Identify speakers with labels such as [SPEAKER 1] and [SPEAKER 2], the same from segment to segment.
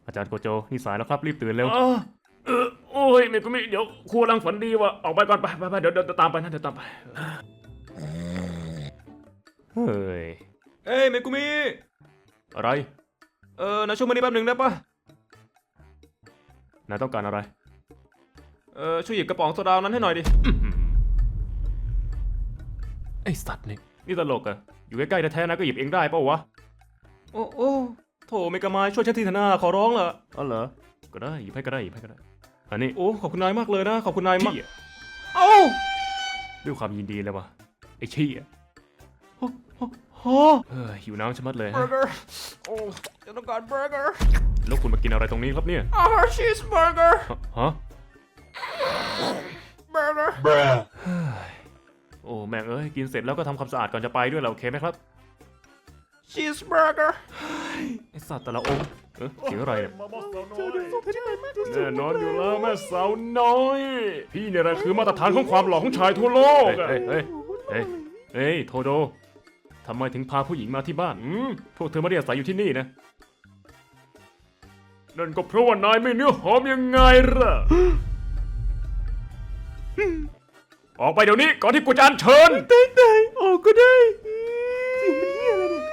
[SPEAKER 1] อาจารย์โกโจนี่สายแล้วครับรีบตื่นเร็วโอ้ยเมกุมิเดี๋ยวครูกำลังฝันดีว่ะออกไปก่อนไปเดี๋ยวตามไปนะเดี๋ยวตามไปเฮ้ย
[SPEAKER 2] เมกุมิ
[SPEAKER 1] อะไร
[SPEAKER 2] นายช่วยมานี่แป๊บหนึ่งได้ปะ
[SPEAKER 1] นายต้องการอะไร
[SPEAKER 2] ช่วยหยิบกระป๋องโซดานั้นให้หน่อยดิ
[SPEAKER 1] ไอสัตว์นี่ตลกอะอยู่ใกล้ๆแท้ๆนะก็หยิบเองได้เปล่าวะ
[SPEAKER 2] โอ้โถเมกามายช่วยฉันทีเถอะนะขอร้องละ
[SPEAKER 1] อ๋อเหรอก็ได้หยิบให้ก็ได้อันนี้
[SPEAKER 2] โอ้ขอบคุณนายมากเลยนะขอบคุณนายมาก
[SPEAKER 1] ด้วยความยินดีเลยวะไอชี้อะหิวน้ำชะมัดเลย
[SPEAKER 2] เบอร์เกอร์โอ้ฉันต้องการเบอร์เกอร์
[SPEAKER 1] แล้วคุณมากินอะไรตรงนี้ครับเนี่ย
[SPEAKER 2] ชีสเบอร์เกอร์
[SPEAKER 1] ฮะ
[SPEAKER 2] เบอร์เกอร์
[SPEAKER 1] โอ้แม่งกินเสร็จแล้วก็ทำความสะอาดก่อนจะไปด้วยเราโอเคไหมครับ
[SPEAKER 2] ชีสเบอร์เกอร์
[SPEAKER 1] ไอสัตว์แต่ละองค์เสียงอะไรเนี่ยแน่นอนอยู่แล้วแม่สาวน้อยพี่เนี่ยแหละคือมาตรฐานของความหล่อของชายทั่วโลกเฮ้ยโทโดทำไมถึงพาผู้หญิงมาที่บ้านพวกเธอไม่ได้อาศัยอยู่ที่นี่นะนั่นก็เพราะว่านายไม่เนื้อหอมยังไงล่ะออกไปเดี๋ยวนี้ก่อนที่กูจะอัญเชิญ
[SPEAKER 2] ได้ออกก็ได้สิ่งมันเหี้ยอะไรเนี่ย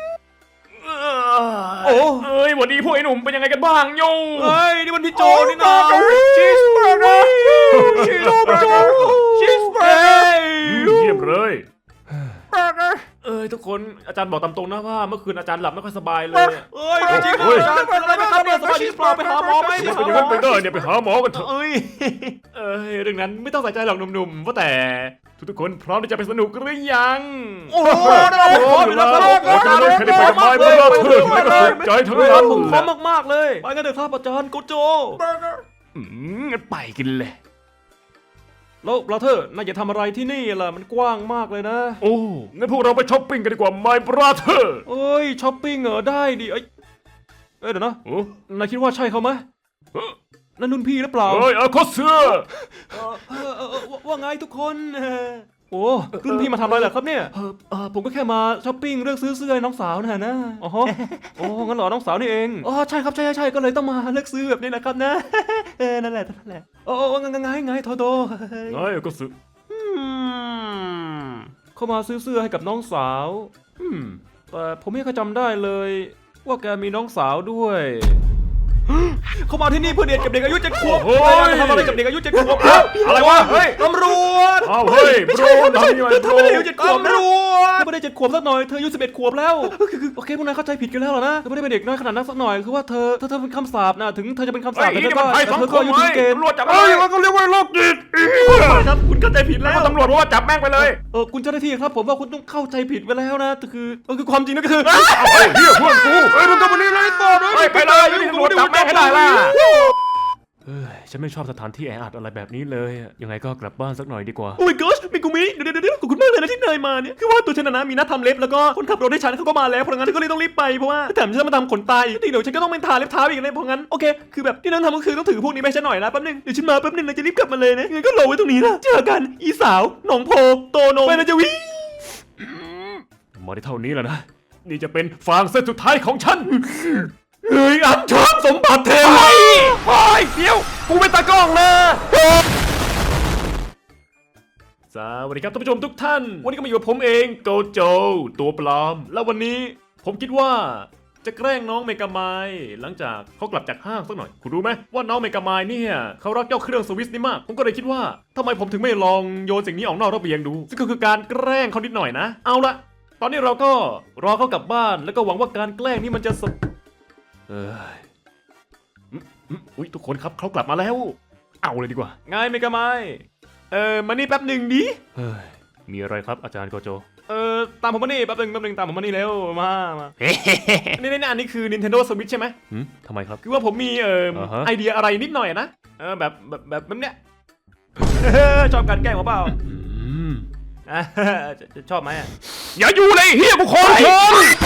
[SPEAKER 1] วันนี้พวกไอ้หนุ่มเป็นยังไงกันบ้างโย่
[SPEAKER 2] นี่มันพี่โจนี่นะชีสเบอร์เกอร์ชีสเบอร์เกอร์ชีสเบอร์เกอร์
[SPEAKER 1] เยี่ยมเลย
[SPEAKER 2] เบอร์เกอร์
[SPEAKER 1] ทุกคนอาจารย์บอกตามตรงนะว่าเมื่อคืนอาจารย์หลับไม่ค่อยสบายเลย
[SPEAKER 2] จริงๆอาจารย์เป็นอะไรครับเนี่ยสบายดีเปล่าไปหาหมอไหม
[SPEAKER 1] เป็นอย่างนั้นไปได้เนี่ยไปหาหมอกันเถอะเรื่องนั้นไม่ต้องใส่ใจหรอกหนุ่มๆว่าแต่ทุกคนพร้อมที่จะไปสนุกหรือยัง
[SPEAKER 2] โอ้โห
[SPEAKER 1] พร้อมอยู่แล้วอาจารย์เลยใครได้ไปกับไม้เบอร์เธอไม่ก็สนใจทั้งนั้น
[SPEAKER 2] ผมพร้อมมากๆเลยไปกันเถอะครับอาจารย์โกโจ
[SPEAKER 1] งั้นไปกินเลย
[SPEAKER 2] แล้วบราเธอร์นายจะทำอะไรที่นี่ล่ะมันกว้างมากเลยนะ
[SPEAKER 1] โอ้งั้นพวกเราไปช้อปปิ้งกันดีกว่า My Brother
[SPEAKER 2] ช้อปปิ้งเหรอได้ดิเดี๋ยวนะนายคิดว่าใช่เขาไหมนั่นนุ่นพี่หรือเปล่า
[SPEAKER 1] โคเสือ
[SPEAKER 2] ว่าไงทุกคนโอ้รุ่นพี่มาทำอะไรเหรอครับเนี่ยผมก็แค่มาช้อปปิ้งเลือกซื้อเสื้อให้น้องสาวนะโอ้งั้นเหรอน้องสาวนี่เองใช่ครับใช่ก็เลยต้องมาเลือกซื้อแบบนี้แหละครับนะนั่นแหละไงโทโด
[SPEAKER 1] ไงก็ซื้อ
[SPEAKER 2] เข้ามาซื้อเสื้อให้กับน้องสาวแต่ผมไม่เคยจำได้เลยว่าแกมีน้องสาวด้วยเขามาที่นี่เพื่อเดทกับเด็กอายุ7 ขวบทำอะไรกับเด็กอายุ7 ขวบ
[SPEAKER 1] อะไรวะเฮ้ย
[SPEAKER 2] ตำรวจ
[SPEAKER 1] ไม่ใช่
[SPEAKER 2] เธอไม่ได้อายุ7 ขวบตำรวจเธอไม่ได้7 ขวบสักหน่อยเธออายุ11 ขวบแล้วโอเคพวกนายเข้าใจผิดกันแล้วนะเธอไม่ได้เป็นเด็กน้อยขนาดนั้นสักหน่อยคือว่าเธอเป็นคำสาปนะถึงเธอจะเป็นคำสาปแต่เธอก็อายุถึงเกณฑ์
[SPEAKER 1] ตำรวจจับก็เรียกว่าโรคจิต
[SPEAKER 2] ครับคุณเข้าใจผิดแล้ว
[SPEAKER 1] ตำรวจบอกว่าจับแม่งไปเลย
[SPEAKER 2] คุณเจ้าหน้าที่ครับผมว่าคุณต้องเข้าใจผิดไปแล้วนะคือความจริงก็คือ
[SPEAKER 1] เฮียพวกกู
[SPEAKER 2] มึงทำอะไรเลยต่อ
[SPEAKER 1] ไปเลยตำรวจจับแม่งให้ได้ล่ะฉันไม่ชอบสถานที่แออัดอะไรแบบนี้เลยยังไงก็กลับบ้านสักหน่อยดีกว่า
[SPEAKER 2] โอ้ยgosh มิกุมิเดี๋ยวขอบคุณมากเลยนะที่นายมาเนี่ยคือว่าตัวฉันนะมีนัดทำเล็บแล้วก็คนขับรถให้ฉันเขาก็มาแล้วเพราะงั้นก็เลยต้องรีบไปเพราะว่าแถมฉันมาทำขนตาอีกเดี๋ยวฉันก็ต้องไปทาเล็บเท้าอีกเลยเพราะงั้นโอเคคือแบบที่นั่นทำก็คือต้องถือพวกนี้ไปฉันหน่อยนะแป๊บนึงเดี๋ยวฉันมาแป๊บนึงนะจะรีบกลับมาเลยนะงั้นก็รอไว้ตรงนี้นะเจอกันอีสาวหนองโพโตโนไปนะจะวิ่ง
[SPEAKER 1] มาได้เท่านี้แล้วนะนี่จะเป็นฟางเส้นสุดท้ายของฉันอันเชิญสมบัติเทวีเดี๋ยวกูเป็นตากล้องนะสวัสดีครับท่านผู้ชมทุกท่านวันนี้ก็มาอยู่กับผมเองโกโจตัวปลอมแล้ววันนี้ผมคิดว่าจะแกล้งน้องเมกามายหลังจากเขากลับจากห้างสักหน่อยคุณรู้ไหมว่าน้องเมกามายเนี่ยเขารักเจ้าเครื่องสวิสนี่มากผมก็เลยคิดว่าทำไมผมถึงไม่ลองโยนสิ่งนี้ออกนอกระเบียงดูซึ่งก็คือการแกล้งเขานิดหน่อยนะเอาละตอนนี้เราก็รอเขากลับบ้านแล้วก็หวังว่าการแกล้งนี้มันจะอุ๊ยทุกคนครับเขากลับมาแล้วเอาเลยดีกว่าไงเมกามายมานี่แป๊บหนึ่งดิมีอะไรครับอาจารย์โกโจตามผมมานี่แป๊บหนึ่งตามผมมานี่เร็วมานี่อันนี้คือ Nintendo Switch ใช่ไหมทำไมครับคือว่าผมมีไอเดียอะไรนิดหน่อยนะแบบเนี้ยชอบการแกล้งเปล่าชอบไหมอย่าอยู่เลยเฮียบุคคลชน